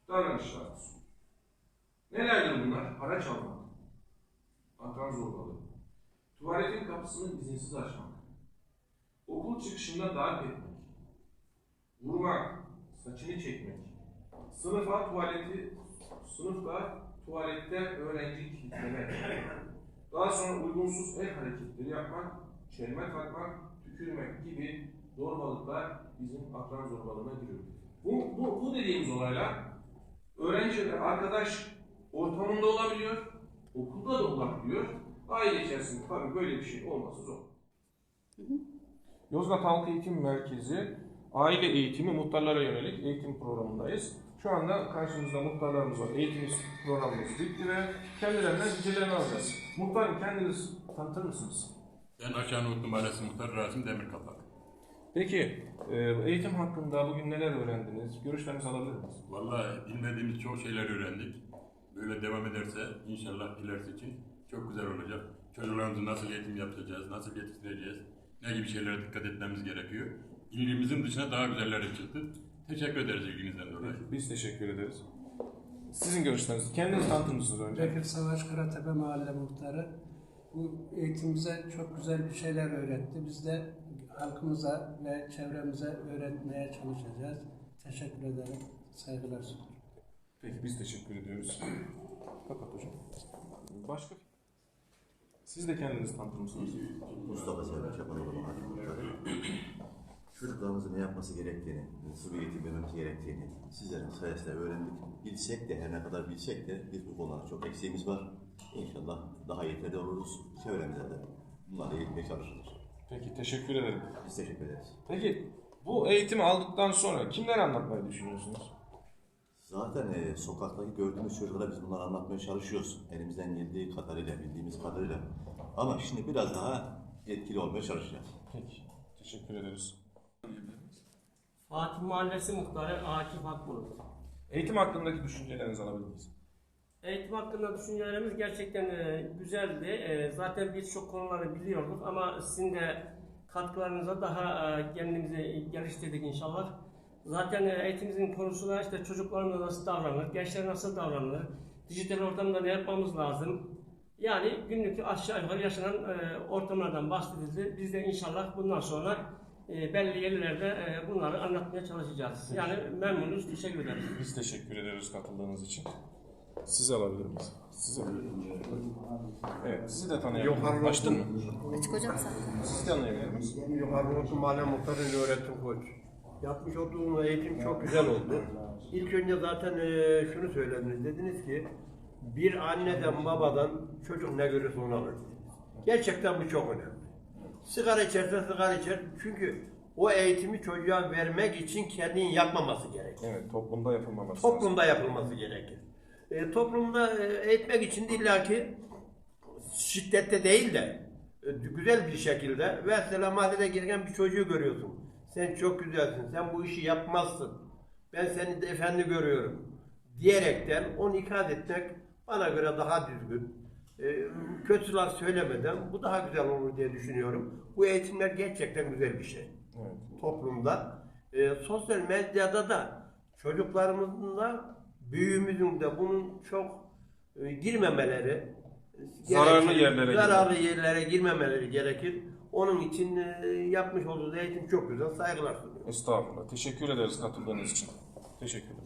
davranışlar. Nelerdir bunlar? Haraç almak, akran zorbalığı, tuvaletin kapısını izinsiz açmak, okul çıkışında darp etmek, vurmak, saçını çekmek, sınıfta tuvalette öğrenci kilitlemek, daha sonra uygunsuz el hareketleri yapmak, çelme takmak, tükürmek gibi zorbalıklar bizim akran zorbalığına giriyor. Bu dediğimiz olaylar öğrenciler, arkadaş ortamında olabiliyor, okulda da olabiliyor. Aile içerisinde tabii böyle bir şey olması zor. Yozgat Halk Eğitim Merkezi aile eğitimi muhtarlara yönelik eğitim programındayız. Şu anda karşımızda muhtarlarımız var. Eğitim programımız bitti ve kendilerinden fikirlerini alacağız. Muhtarım, kendiniz tanıtır mısınız? Ben Aşağı Nuhutlu Mahallesi Muhtarı Rasim Demirkapak. Peki, eğitim hakkında bugün neler öğrendiniz? Görüşlerinizi alabilir miyiz? Vallahi bilmediğimiz çok şeyler öğrendik. Böyle devam ederse inşallah ilerisi için çok güzel olacak. Çocuklarımızı nasıl eğitim yapacağız, nasıl yetiştireceğiz, ne gibi şeylere dikkat etmemiz gerekiyor. İlgimizin dışına daha güzelleri çıktı. Teşekkür ederiz ilginizden dolayı. Biz teşekkür ederiz. Sizin görüşleriniz, kendiniz tanıtır mısınız önce? Bekir Savaş Karatepe Mahalle Muhtarı. Bu eğitim bize çok güzel bir şeyler öğretti. Biz de halkımıza ve çevremize öğretmeye çalışacağız. Teşekkür ederim. Saygılar sunuyorum. Peki, biz teşekkür ediyoruz. Kapat hocam. Başka? Siz de kendinizi tanıtır mısınız? Mustafa Selvi Çapanoğlu Mahalle Muhtarı. Çocuklarımızın ne yapması gerektiğini, nasıl bir eğitim vermemiz gerektiğini sizlerin sayesinde öğrendik. Bilsek de, her ne kadar bilsek de biz bu konularda çok eksiğimiz var. İnşallah daha yeterli oluruz. Çevremize de bunları eğitmeye çalışırız. Peki, teşekkür ederim. Biz teşekkür ederiz. Peki, bu eğitimi aldıktan sonra kimlere anlatmayı düşünüyorsunuz? Zaten sokaktaki gördüğümüz çocuklara biz bunları anlatmaya çalışıyoruz. Elimizden geldiği kadarıyla, bildiğimiz kadarıyla. Ama şimdi biraz daha etkili olmaya çalışacağız. Peki, teşekkür ederiz. Fatih Mahallesi Muhtarı Akif Akbulut. Eğitim hakkındaki düşüncelerinizi alabilir miyiz? Eğitim hakkında düşüncelerimiz gerçekten güzeldi. Zaten birçok konuları biliyorduk ama sizin de katkılarınıza daha kendimizi geliştirdik inşallah. Zaten eğitimimizin konusunda işte çocuklarımla nasıl davranılır, gençler nasıl davranılır, dijital ortamda ne yapmamız lazım. Yani günlük aşağı yukarı yaşanan ortamlardan bahsedildi. Biz de inşallah bundan sonra belli yerlerde bunları anlatmaya çalışacağız. Yani memnunuz, teşekkür ederiz. Biz teşekkür ederiz katıldığınız için. Sizi alabilir miyiz? Sizi. Evet, sizi de tanıyabilirim. Açtın mı? Açık hocam sen. Sizi tanıyabilir miyiz? Yukarı Nuhutlu Mahalle Muhtarı öğretim koç. Yapmış olduğum eğitim çok güzel oldu. İlk önce zaten şunu söylediniz, dediniz ki bir anneden babadan çocuk ne görürse onu alır. Gerçekten bu çok önemli. Sigara içerse sigara içer. Çünkü o eğitimi çocuğa vermek için kendini yapmaması gerekir. Evet, toplumda yapılmaması Toplumda yapılması gerekir. Toplumda eğitmek için de illaki şiddette değil de güzel bir şekilde mesela mahallede girken bir çocuğu görüyorsun. Sen çok güzelsin, sen bu işi yapmazsın. Ben seni de efendi görüyorum diyerekten onu ikaz etmek bana göre daha düzgün. Kötü laf söylemeden bu daha güzel olur diye düşünüyorum. Bu eğitimler gerçekten güzel bir şey. Evet. Toplumda. Sosyal medyada da çocuklarımızın da büyüğümüzün de bunun çok girmemeleri Zararlı yerlere girmemeleri gerekir. Onun için yapmış olduğu eğitim çok güzel. Saygılar sunuyorum. Estağfurullah. Teşekkür ederiz katıldığınız için. Teşekkür